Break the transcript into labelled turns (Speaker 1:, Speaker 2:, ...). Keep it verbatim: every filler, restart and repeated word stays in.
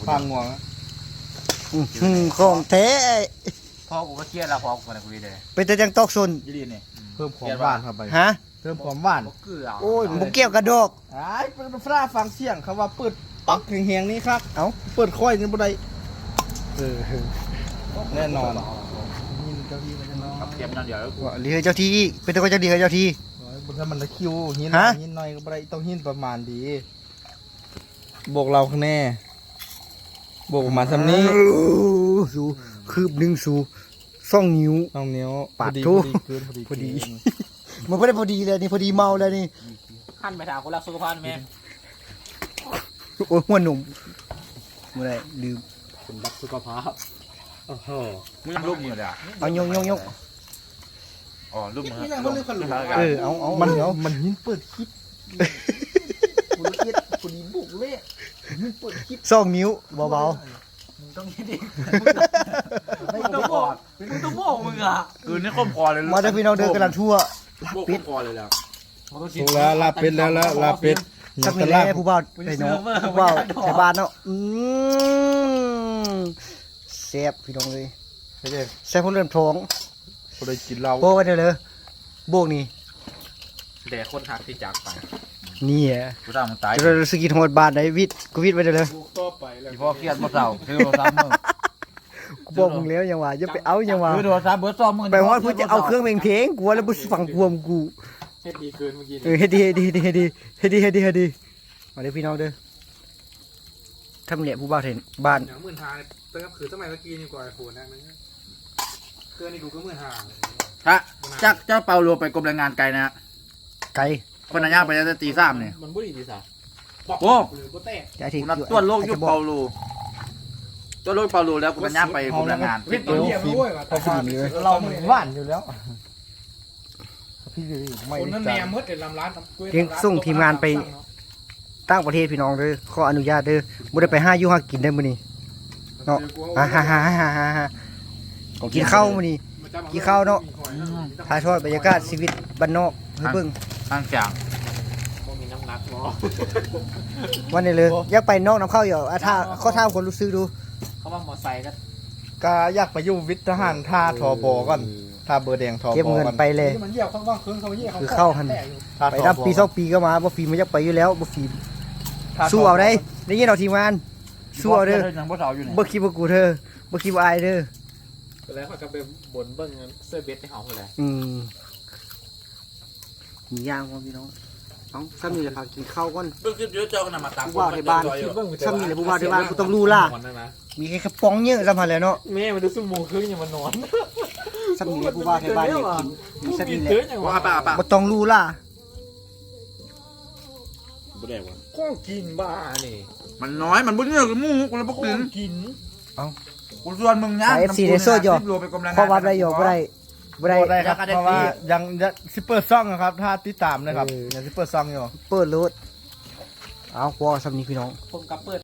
Speaker 1: ฟังง่วง
Speaker 2: ของแท้
Speaker 3: พ่อกูก็เครียดแล้วพ่อกูนะคุยเลย
Speaker 2: เป็นแต่จังตอกซน
Speaker 3: ยี่ดีนี่
Speaker 1: เพิ่มความหวานเข้าไป
Speaker 2: ฮะ
Speaker 1: เพิ่มความหวาน
Speaker 3: เกลือ
Speaker 2: โอ้ยบุเกี่ยวกระดอก
Speaker 1: ไอ้เป็นฟ้าฟังเสียงเขาว่าเปิดปักแหงๆนี่ครับ
Speaker 2: เอ้า
Speaker 1: เปิดค่อยนี่บ่ได้เออแน่นอนยินเจ้าที่มันจะนอน
Speaker 3: กับเค็มนั่นเดี๋ยว
Speaker 2: ว่าเรือเจ้าที่เป็นตัวเจ้าดีกับเจ้าที่
Speaker 1: บนถ้ามันตะคิวหิน
Speaker 2: ฮะ
Speaker 1: หินหน่อยก็บ่ได้ต้องหินประมาณดีบวกเราคะแน่บวกประมาณซำนี้
Speaker 2: สูคืบหนึ่งสูซ่องนิ้ว
Speaker 1: น้องนิ้ว
Speaker 2: ปาด
Speaker 1: พอดี
Speaker 2: ทุ
Speaker 1: พอดีเกินพอดี
Speaker 2: พอดี
Speaker 1: เกิน
Speaker 2: มันไม่ได้พอดีเลยนี่พอดีเมาเลยนี่
Speaker 3: ขั้นไปถามคนรักสุขภาพไหม
Speaker 2: โอ้ยหัวหนุ่มเมื่อไรลืม
Speaker 3: คนรักสุขภาพโอ้โหมึงรูปมือเลยอ่ะ
Speaker 2: เอายงยงยง
Speaker 3: อ๋อรูปมือ
Speaker 1: นี่นะเขาเรียกขลุ่ม
Speaker 2: เออเอาเอา
Speaker 1: มัน
Speaker 2: เดี๋ยว
Speaker 1: มันหินเปิดคลิปคนละเอียดคนนี้บุกเลยหินเปิดคลิป
Speaker 2: ซ่องนิ้วเบา
Speaker 3: มึงต้องคิดดิมึงต้องบอกมึงต้องบอกมึงอ่ะคือนี่ข้มคอเลย
Speaker 2: ๆมาได้พี่น้องเดินกำลังทั่ว
Speaker 3: ปิดคอเลยแล้ว
Speaker 1: ถูกแล้วลาเป็ดแล้วแล้วลาเป็ด
Speaker 2: สักหนึ่งแล่ผู้บ่าวไอ้น้องผู้บ่าวแถวบ้านเนาะอืมแซ่บพี่น้องเลย
Speaker 1: ไม่ใช่
Speaker 2: แซ่บคนเริ่มท้อง
Speaker 1: คนได้กินเรา
Speaker 2: โบกันเดี๋ยวเลยโบกนี่
Speaker 3: แต่คนหักที่จากไป
Speaker 2: นี่อ่ะ
Speaker 3: กูทำมึงตาย
Speaker 2: จะเราสกินโหดบาทไหนวิทย์กูวิทย์ไปเดี๋ยวเลย
Speaker 3: อีพ่อเครียดมาเศร้าซื้อโทรศัพท์มึง
Speaker 2: กูบอกมึงแล้วยังว่าอย่าไปเอายังว่า
Speaker 3: ซื้อโทรศัพท์เบอร์สองมึง
Speaker 2: ไปฮอดเพื่อจะเอาเครื่องเพลงเพลงกูว่าแล้วกูฟังกวมกู
Speaker 3: เฮ็ดดีเกินเมื่อกี้
Speaker 2: เออเฮ็ดดีเฮ็ดดีเฮ็ดดีเฮ็ดดีเฮ็ดดีเฮ็ดดีมาเด้อพี่น้องเด้อทำเหลี่ยผู้บ่าวเห็นบ้าน
Speaker 4: อย่างหมื่นหาเนี่ยเติมคือสมัยเมื่อกี้นี่กว่าไอโฟนนะมันเกินนี่กูก็หมื่นหาเลย
Speaker 3: ฮะจ้าเจ้าเปาโลไปกรมแรงงานไกลนะฮะ
Speaker 2: ไก่
Speaker 3: คนนั้นย่างไปจะตีสามเนี่ย
Speaker 4: มันบุหรี่ดีสา
Speaker 3: โอ้
Speaker 4: หรือโบเต้
Speaker 2: จะทิ้ง
Speaker 3: กูนัดตัวโลกยุคเปาโลตัวโลกเปาโลแล้วกูนั้นย่างไปกรมแรงงาน
Speaker 4: วิทย์ตัวเหี้ยมันด้วยว่ะ
Speaker 1: พอพอดีเลยเราหวานอยู่แล้วพี่ดีไม่
Speaker 4: คน
Speaker 1: ได้
Speaker 4: นั้นแน
Speaker 1: จ้าม
Speaker 4: มืดเดี๋ยวลำร้าน
Speaker 2: เลี้ยงส่งทีมงานไปต่างประเทศพี่น้องเด้อขออนุญาตเด้อบ่ได้ไปห้าอยู่ห้ากินได้มื้อนี้เนาะฮ่าฮ่าฮ่าฮ่าฮ่าฮ่ากินข้าวมื้อนี้กินข้าวเนาะถ่ายทอดบรรยากาศชีวิตบ้านนอกให้เบิ่ง
Speaker 3: ข้างเสียง
Speaker 4: มีน้ำหนักหมอ
Speaker 2: วันนี้เลยอยากไปนอกน้ำเข้าอยู่อ่ะถ้าข้อถามคนรู้สึกดู
Speaker 4: เขาว่ามอไซค์กัน
Speaker 1: ก็อยากไปอยู่วิทย์ทหารท่าทอบอก่อนท่าเบอร์แดงทอบ
Speaker 2: เก็บ
Speaker 1: อ
Speaker 2: เงิน
Speaker 1: ก่อน
Speaker 2: ไปเลย
Speaker 4: มันเยี่ยวข้างว่างคืนเขาเยี่ยว
Speaker 2: คือเข้าหัน
Speaker 1: ท่า
Speaker 2: ไป
Speaker 1: ทอ
Speaker 2: นับบ
Speaker 1: อ
Speaker 2: ปีสองปีก็มาบ่ฟีมันอยากไปอยู่แล้วบ่ฟี
Speaker 1: ท่ทบ
Speaker 2: สู้เอาได้ได้ยินเอาทีมงานสู้เอาเด้อ
Speaker 3: ยังบ่เสาอยู่เนี่ย
Speaker 2: บ่คิดว่ากูเธอบ่คิดว่าอายเด้อ
Speaker 4: แล้วเขาก็ไปบ่นเบิ้งเสื้อเบสในห้องเลย
Speaker 2: อืมมีย่างบ่พี่น้องเอ้าซ้ำนี่แหละพากินข้าวก่อน
Speaker 3: เบิ่งคลิปเยอะเจ้ากันมาตาม
Speaker 2: ผู้ว่าในบ้านซ้ำนี่แหละผู้ว่าในบ้านกูต้องรู้ล่ะมีแค่กระป๋องเยอะซ้ำหั่นแหละเนาะ
Speaker 4: แม่มาดูสุ่มโมงครึ่งยังมานอน
Speaker 2: ซ้ำนี่แหละผู้ว่าในบ้านอยากกินมีซ้ำนี่แหละ
Speaker 3: ว่าป่าป่า
Speaker 2: บ่ต้องรู้ล่ะ
Speaker 3: บ่ได้ว่ะ
Speaker 4: ข้องกินบ้านี่
Speaker 3: มันน้อยมันบ่เนี่ยกับหมู่กูเลยบ่
Speaker 4: ข้อ
Speaker 3: กิน
Speaker 4: งกิน
Speaker 3: กูชวนมึงย่าง
Speaker 2: สาย เอฟ ซี ในโซดอยู่
Speaker 3: รวมไปกรมแรงงาน
Speaker 2: เพราะว่าได้อยู่บ่ได้บ่ได้
Speaker 1: บ่ได้ครับ
Speaker 3: อยากได้
Speaker 1: เพราะว่า
Speaker 3: ฟรี
Speaker 1: ยังยังซิปเปอร์ซ่องนะครับถ้าติดตามนะครับ
Speaker 2: เออ
Speaker 1: ยังซิปเปอร์ซ่องอยู่
Speaker 2: เปิดรถเอาพอซ้ำนี่พี่น้อง
Speaker 4: ผมกับเปิด